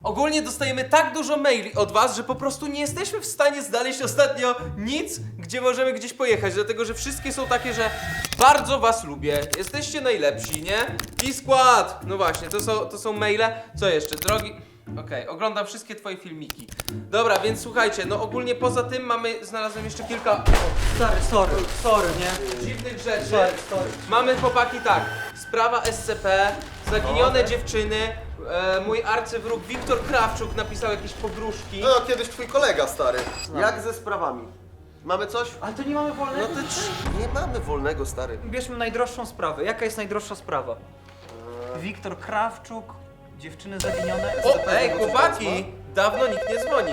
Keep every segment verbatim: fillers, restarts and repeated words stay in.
Ogólnie dostajemy tak dużo maili od was, że po prostu nie jesteśmy w stanie znaleźć ostatnio nic, gdzie możemy gdzieś pojechać, dlatego że wszystkie są takie, że bardzo was lubię, jesteście najlepsi, nie? I skład! No właśnie, to są, to są maile. Co jeszcze? Drogi... Okej, okay, oglądam wszystkie twoje filmiki. Dobra, więc słuchajcie, no ogólnie poza tym mamy, znalazłem jeszcze kilka... O, Stary, sorry, sorry, nie? dziwnych rzeczy. Sorry, sorry. Mamy chłopaki tak, sprawa S C P, zaginione dziewczyny, e, mój arcywróg Wiktor Krawczuk napisał jakieś pogróżki. No, kiedyś twój kolega, stary. Jak ze sprawami? Mamy coś? Ale to nie mamy No wolnego. to trz- nie mamy wolnego, stary. Bierzmy najdroższą sprawę. Jaka jest najdroższa sprawa? Wiktor Krawczuk, dziewczyny zaginione. O, ej, chłopaki! Dawno nikt nie dzwonił.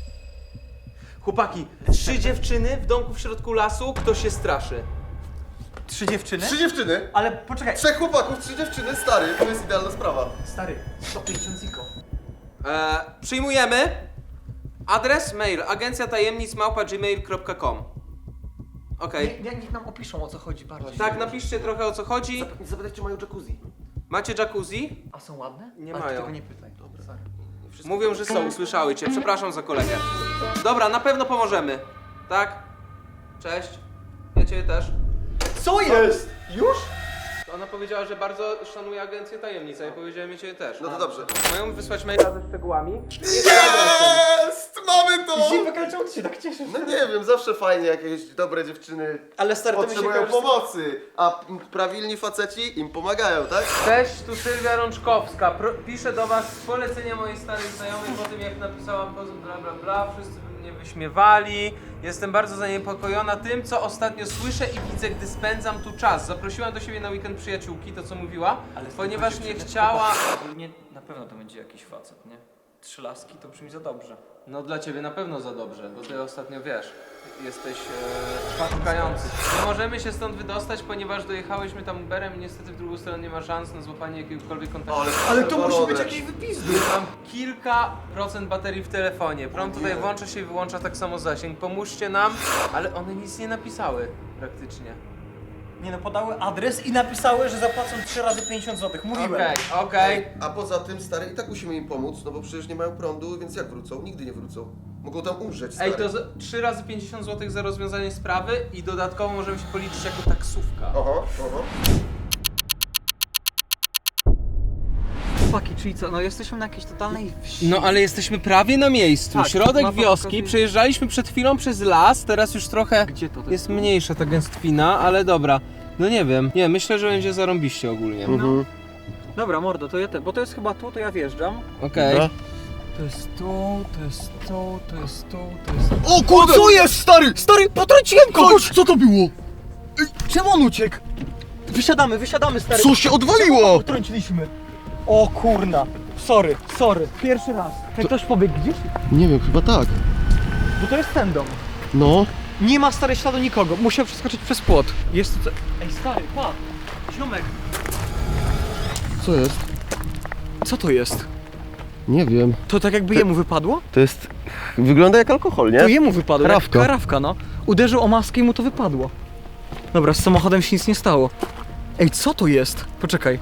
Chłopaki, trzy dziewczyny w domku w środku lasu, kto się straszy? Trzy dziewczyny? Trzy dziewczyny, Ale poczekaj. trzech chłopaków, trzy dziewczyny, stary. To jest idealna sprawa. Stary, sto pięćdziesiąt ziko. E, przyjmujemy. Adres, mail, agencja tajemnic małpa gmail kropka com. Okej. Nie, nie, niech nam opiszą, o co chodzi bardziej. Tak, napiszcie trochę o co chodzi. Zapytaj, czy mają jacuzzi. Macie jacuzzi? A są ładne? Nie Ale mają. Ty tego nie pytaj. Dobra. Sorry. Mówią, że są, usłyszały cię. Przepraszam za kolegę. Dobra, na pewno pomożemy. Tak? Cześć. Ja ciebie też. Co jest? Już? Ona powiedziała, że bardzo szanuje agencję tajemnic, a ja powiedziałem, ja ciebie też. No to dobrze. Mają wysłać maila ze szczegółami. Jest! Mamy to! Zipek, ale czemu ty się tak cieszysz? No nie wiem, zawsze fajnie, jak jakieś dobre dziewczyny Ale stary, to mi się potrzebują kojarzy z- pomocy, a prawilni faceci im pomagają, tak? Cześć, tu Sylwia Rączkowska. Pro, piszę do was z polecenia mojej starej znajomej po tym, jak napisałam poza bla bla bla. Wszyscy by mnie wyśmiewali. Jestem bardzo zaniepokojona tym, co ostatnio słyszę i widzę, gdy spędzam tu czas. Zaprosiłam do siebie na weekend przyjaciółki, to co mówiła, ponieważ nie chciała... Ogólnie na pewno to będzie jakiś facet, nie? Trzy laski to brzmi za dobrze. No dla ciebie na pewno za dobrze, bo ty ostatnio wiesz, jesteś e, szukający. Nie możemy się stąd wydostać, ponieważ dojechałyśmy tam Uberem i niestety w drugą stronę nie ma szans na złapanie jakiegokolwiek kontaktu. Ale to musi być jakiś wypizdy. Mam kilka procent baterii w telefonie. Prąd tutaj włącza się i wyłącza tak samo zasięg. Pomóżcie nam, ale one nic nie napisały praktycznie. Nie no, podały adres i napisały, że zapłacą trzy razy pięćdziesiąt złotych. Mówiłem. Okej, okej. A poza tym, stary, i tak musimy im pomóc, no bo przecież nie mają prądu, więc jak wrócą? Nigdy nie wrócą. Mogą tam umrzeć, stary. Ej, to z- trzy razy pięćdziesiąt złotych za rozwiązanie sprawy i dodatkowo możemy się policzyć jako taksówka. Oho, oho. Chłopaki, czyli co? No jesteśmy na jakiejś totalnej wsi. No ale jesteśmy prawie na miejscu. Tak, Środek mapa wioski, pokazuje- przejeżdżaliśmy przed chwilą przez las, teraz już trochę Gdzie to? to jest mniejsza ta gęstwina, ale dobra. No nie wiem, nie, myślę, że będzie zarąbiście ogólnie. Mhm. Dobra, mordo, to ja te, bo to jest chyba tu, to ja wjeżdżam. Okej. Dobra. To jest tu, to jest tu, to jest tu, to jest... O kurde! Co jest, stary? Stary, potrąciłem kogoś! Co to było? Czemu on uciekł? Wysiadamy, wysiadamy, stary. Co się odwaliło? Potrąciliśmy. O kurna. Sorry, sorry. Pierwszy raz. Jak ktoś pobiegł gdzieś? Nie wiem, chyba tak. Bo to jest ten dom. No. Nie ma stary śladu nikogo. Musiał przeskoczyć przez płot. Jest tu co... Ej stary, pa! Ziomek! Co jest? Co to jest? Nie wiem. To tak jakby jemu wypadło? To jest... Wygląda jak alkohol, nie? To jemu wypadło. Karawka. Jak karawka, no. Uderzył o maskę i mu to wypadło. Dobra, z samochodem się nic nie stało. Ej, co to jest? Poczekaj.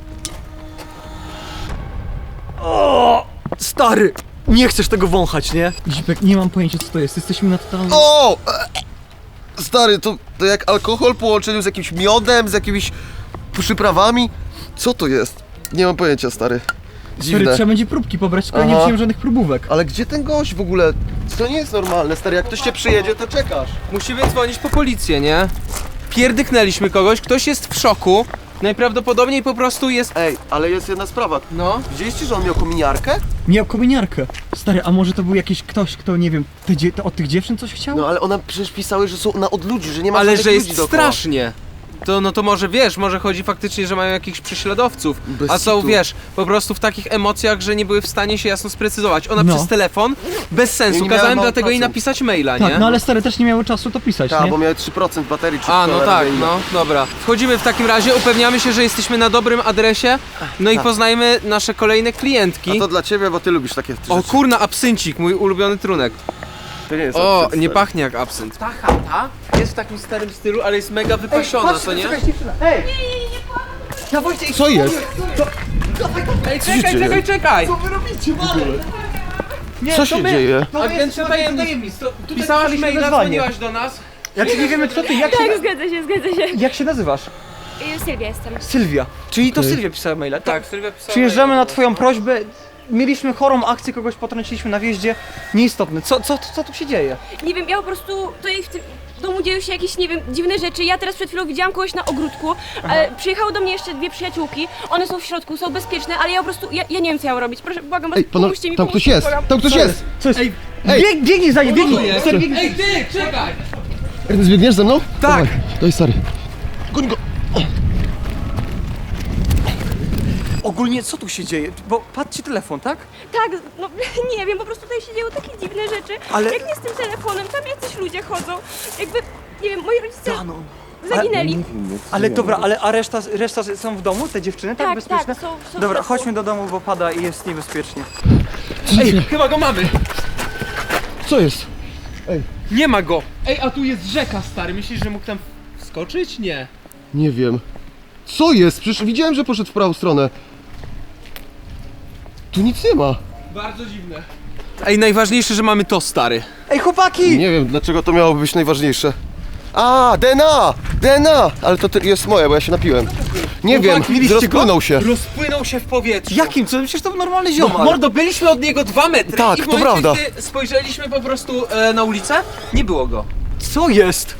O, stary! Nie chcesz tego wąchać, nie? Zipek, nie mam pojęcia co to jest. Jesteśmy na totalnym... O! E, Stary, to, to jak alkohol w połączeniu z jakimś miodem, z jakimiś przyprawami? Co to jest? Nie mam pojęcia, stary. Stary, Dziwne. trzeba będzie próbki pobrać, tylko ja nie Aha. wziąłem żadnych próbówek. Ale gdzie ten gość w ogóle? To nie jest normalne, stary. Jak ktoś cię przyjedzie, to czekasz. Musimy dzwonić po policję, nie? Pierdyknęliśmy kogoś, ktoś jest w szoku. Najprawdopodobniej po prostu jest... Ej, ale jest jedna sprawa. No. Widzieliście, że on miał kominiarkę? Miał kominiarkę. Stary, a może to był jakiś ktoś, kto, nie wiem, te dzie- to od tych dziewczyn coś chciał? No ale ona przecież pisały, że są na od ludzi, że nie ma Ale żadnych że ludzi jest dookoła. strasznie. To no to może wiesz, może chodzi faktycznie, że mają jakichś prześladowców. Bez A są, kitu. wiesz, po prostu w takich emocjach, że nie były w stanie się jasno sprecyzować. Ona No. przez telefon, bez sensu, Nie miała kazałem mało dlatego jej procent. napisać maila, nie? Tak, no ale stary też nie miały czasu to pisać, Tak, nie? bo miały trzy procent baterii czy A, no cholera tak, wie ile. no, dobra. Wchodzimy w takim razie, upewniamy się, że jesteśmy na dobrym adresie, no i Tak. poznajmy nasze kolejne klientki. A to dla ciebie, bo ty lubisz takie rzeczy. O kurna, absyncik, mój ulubiony trunek. To nie jest O, absynt, nie stary. pachnie jak absynt. Ta chata jest w takim starym stylu, ale jest mega wypasiona, co nie? Ej! Ja Wojciech, Co jest? Ej, czekaj, czekaj, czekaj! Co wy robicie, ale? Nie, Co to się my- dzieje? To jest Agencja agencja tajemnic. To, tutaj Pisałaś pisaliśmy maila, wezwanie. dzwoniłaś do nas. Jak nie wiemy co ty, jak Tak, się, zgadza się, zgadza się. jak się nazywasz? Y, Sylwia jestem. Sylwia. Czyli to Okej. Sylwia pisała maila. To Tak, Sylwia pisała. przyjeżdżamy maila na do twoją nas. prośbę. Mieliśmy chorą akcję, kogoś potrąciliśmy na wjeździe. Nieistotne. Co, co, co tu się dzieje? Nie wiem, ja po prostu tutaj w tym domu dzieją się jakieś, nie wiem, dziwne rzeczy. Ja teraz przed chwilą widziałam kogoś na ogródku. E, przyjechały do mnie jeszcze dwie przyjaciółki. One są w środku, są bezpieczne, ale ja po prostu, ja, ja nie wiem co ja mam robić. Proszę, błagam was, Ej, panowie, pomóżcie mi, tam ktoś pomóżcie mi, jest! błagam. Tam ktoś jest! Co jest? Ej. Bieg, biegnij za nim, biegnij! jest? Stary, biegnij. Ej, ty, czekaj! Ernest, biegniesz ze mną? Tak. Dawaj, daj stary. Goń go! Ogólnie co tu się dzieje? Bo patrzcie telefon, tak? Tak, no nie wiem, po prostu tutaj się dzieją takie dziwne rzeczy. Ale- Jak nie z tym telefonem, tam jacyś ludzie chodzą. Jakby, nie wiem, moi rodzice Danon. zaginęli. Ale dobra, ale a reszta, reszta są w domu? Te dziewczyny, tak? Tak, bezpieczne? tak, są- są w Dobra, środku. chodźmy do domu, bo pada i jest niebezpiecznie. Ej, chyba go mamy. Co jest? Nie ma go. Ej, a tu jest rzeka, stary. Myślisz, że mógł tam wskoczyć? Nie. Nie wiem. Co jest? Przecież widziałem, że poszedł w prawą stronę. Tu nic nie ma. Bardzo dziwne. Ej, najważniejsze, że mamy to, stary. Ej, chłopaki! Nie wiem, dlaczego to miałoby być najważniejsze. A, D N A! D N A! Ale to ty- jest moje, bo ja się napiłem. Nie Chłopaki, wiem, mieliście rozpłynął go? się. Rozpłynął się w powietrzu. Jakim? Co? Przecież to był normalny No, ziomal. mordo, byliśmy od niego dwa metry Tak, i w to momencie, prawda. gdy spojrzeliśmy po prostu e, na ulicę, nie było go. Co jest?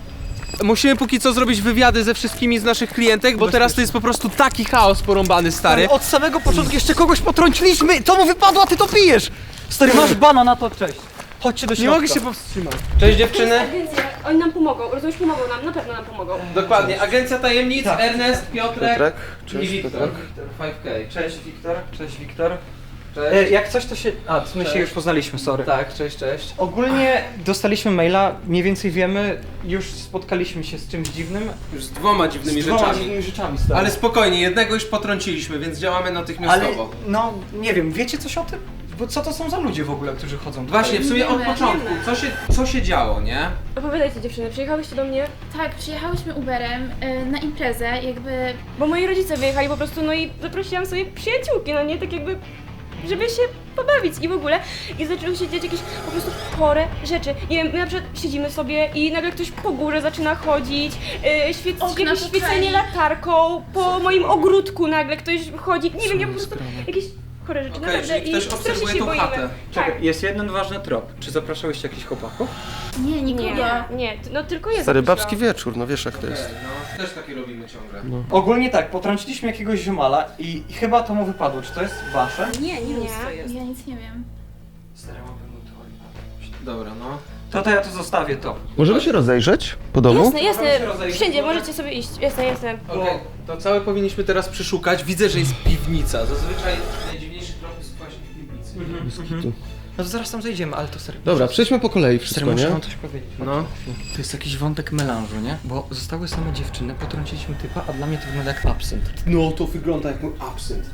Musimy póki co zrobić wywiady ze wszystkimi z naszych klientek, bo teraz to jest po prostu taki chaos porąbany, stary. Od samego początku jeszcze kogoś potrąciliśmy! To mu wypadło, a ty to pijesz! Stary, masz bana na to, cześć. Chodźcie do Nie środka. mogę się powstrzymać. Cześć dziewczyny. Agencja, oni nam pomogą, rozumiesz, pomogą nam, na pewno nam pomogą. Dokładnie, Agencja Tajemnic, Tak. Ernest, Piotrek, Piotrek, i cześć, Wiktor. Piotrek. pięć K. Cześć Wiktor, cześć Wiktor. Cześć. E, jak coś to się... A, my się Cześć. już poznaliśmy, sorry. Tak, cześć, cześć. Ogólnie dostaliśmy maila, mniej więcej wiemy, już spotkaliśmy się z czymś dziwnym. Już z dwoma dziwnymi z dwoma rzeczami. dziwnymi rzeczami, stary. Ale spokojnie, jednego już potrąciliśmy, więc działamy Ale, natychmiastowo. no, nie wiem, wiecie coś o tym? Bo co to są za ludzie w ogóle, którzy chodzą tutaj? Właśnie, w sumie od Wiemy, początku, wiemy. co się, co się działo, nie? Opowiadajcie dziewczyny, przyjechałyście do mnie, Tak, przyjechałyśmy Uberem y, na imprezę, jakby bo moi rodzice wyjechali po prostu, no i zaprosiłam sobie przyjaciółki, no nie, tak jakby, żeby się pobawić i w ogóle. I zaczęły się dziać jakieś po prostu chore rzeczy. Nie wiem, my na przykład siedzimy sobie i nagle ktoś po górze zaczyna chodzić, yy, świec, Okna jakieś popali. świecenie latarką, po moim ogródku nagle ktoś chodzi, nie wiem, ja po prostu jakieś chore rzeczy, Okej, naprawdę. czyli ktoś I strasznie obserwuje się tą boimy. chatę. Czekaj, Tak. jest jeden ważny trop. Czy zapraszałyście jakichś chłopaków? nie, nikogo. Nie, nie, no tylko jest. Stary babski wieczór, no wiesz jak to jest. No, też takie robimy ciągle. Ogólnie tak, potrąciliśmy jakiegoś ziomala i i chyba to mu wypadło. Czy to jest wasze? Nie, nie, nie. Ja nic nie wiem. Stary, mam pewną teorię. Dobra, no. To to ja to zostawię to. Możemy się rozejrzeć po domu? Jasne, jasne, Możemy się rozejść. wszędzie możecie sobie iść, jasne, jasne. Okej, to całe powinniśmy teraz przeszukać. Widzę, że jest piwnica. Zazwyczaj najdziwniejszy krok jest właśnie w piwnicy. No to zaraz tam zejdziemy, ale to serio. Dobra, przejdźmy po kolei Stary, wszystko, muszę nie? wam coś powiedzieć. No. To jest jakiś wątek melanżu, nie? Bo zostały same dziewczyny, potrąciliśmy typa, a dla mnie to wygląda jak absynt. No, to wygląda jak mój absynt.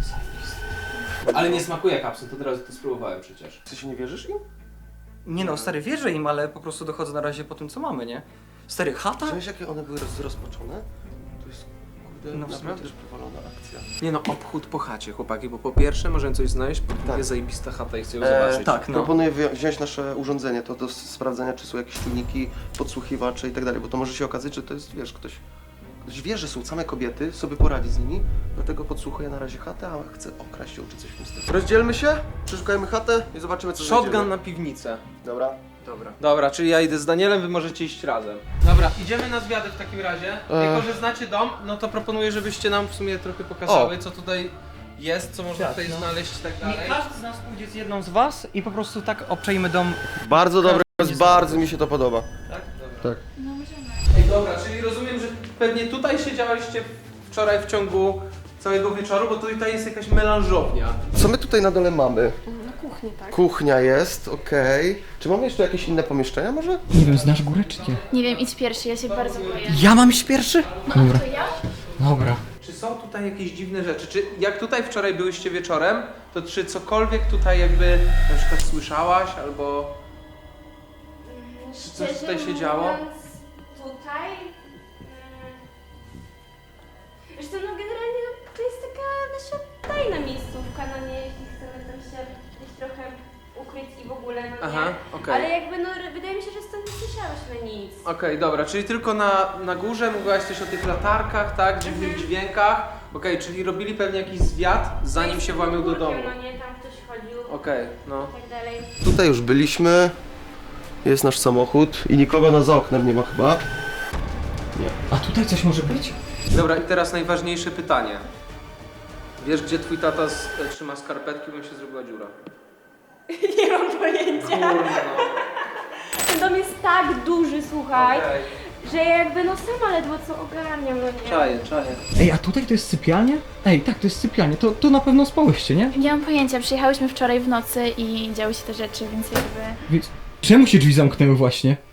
Ale nie smakuje jak absynt, od razu to spróbowałem przecież. Ty się nie wierzysz im? Nie no, stary, wierzę im, ale po prostu dochodzę na razie po tym, co mamy, nie? Stary, chata? Wiesz jakie one były roz, rozpoczone? To jest, kurde, No w sumie naprawdę przewalona akcja. Nie no, obchód po chacie, chłopaki, bo po pierwsze możemy coś znaleźć, po drugie Tak. zajebista chata i chcę ją E, zobaczyć. tak, no. Proponuję wzi- wziąć nasze urządzenie, to do s- sprawdzenia, czy są jakieś czujniki, podsłuchiwacze i tak dalej, bo to może się okazać, że to jest, wiesz, ktoś, ktoś wie, że są same kobiety, sobie poradzi z nimi, dlatego podsłuchuję na razie chatę, a chcę okraść ją czy coś w tym stylu. Rozdzielmy się, przeszukajmy chatę i zobaczymy, co Shotgun znajdziemy. na piwnicę. Dobra. Dobra. Dobra, czyli ja idę z Danielem, wy możecie iść razem. Dobra, idziemy na zwiady w takim razie. E. Jako, że znacie dom, no to proponuję, żebyście nam w sumie trochę pokazały, co tutaj jest, co można Tak, tutaj no. znaleźć i tak Nie dalej. każdy z nas pójdzie z jedną z was i po prostu tak obczajmy dom. Bardzo dobre, Każdy bardzo mi się to podoba. Tak? Dobra. Tak. No możemy. Ej, dobra, czyli rozumiem, że pewnie tutaj siedziałyście wczoraj w ciągu całego wieczoru, bo tutaj jest jakaś melanżownia. Co my tutaj na dole mamy? Na kuchni, tak? Kuchnia jest, okej. Czy mamy jeszcze jakieś inne pomieszczenia może? Nie wiem, znasz górę czy nie? Nie wiem, idź pierwszy, ja się bardzo boję. Ja mam iść pierwszy? Dobra. To ja? Dobra. Czy są tutaj jakieś dziwne rzeczy? Czy jak tutaj wczoraj byłyście wieczorem, to czy cokolwiek tutaj jakby na przykład słyszałaś albo... Czy coś tutaj się działo? Tutaj... Wiesz co, no generalnie no, to jest taka nasza tajna miejscówka, no nie, jeśli chcemy tam się gdzieś trochę ukryć kupiec i w ogóle, no Aha, nie. okej. Ale jakby, no wydaje mi się, że stąd nie słyszałyśmy nic. Okej, dobra, czyli tylko na, na górze mówiłaś coś o tych latarkach, tak? Dziwnych dźwiękach. Okej, czyli robili pewnie jakiś zwiat, zanim się włamią do domu. No nie, tam ktoś chodził Okej, no. i tak dalej. Tutaj już byliśmy. Jest nasz samochód i nikogo na za oknem nie ma chyba. A tutaj coś może być? Dobra, i teraz najważniejsze pytanie. Wiesz, gdzie twój tata z, e, trzyma skarpetki, bo mi się zrobiła dziura? Nie mam pojęcia. Kurwa. Ten dom jest tak duży, słuchaj, Okej. że ja jakby no sama ledwo co ogarniam, no nie. Czaję, czaję. Ej, a tutaj to jest sypialnia? Ej, tak, to jest sypialnia. To, to na pewno spałyście, nie? Nie mam pojęcia, przyjechałyśmy wczoraj w nocy i działy się te rzeczy, więc jakby... Więc czemu się drzwi zamknęły właśnie?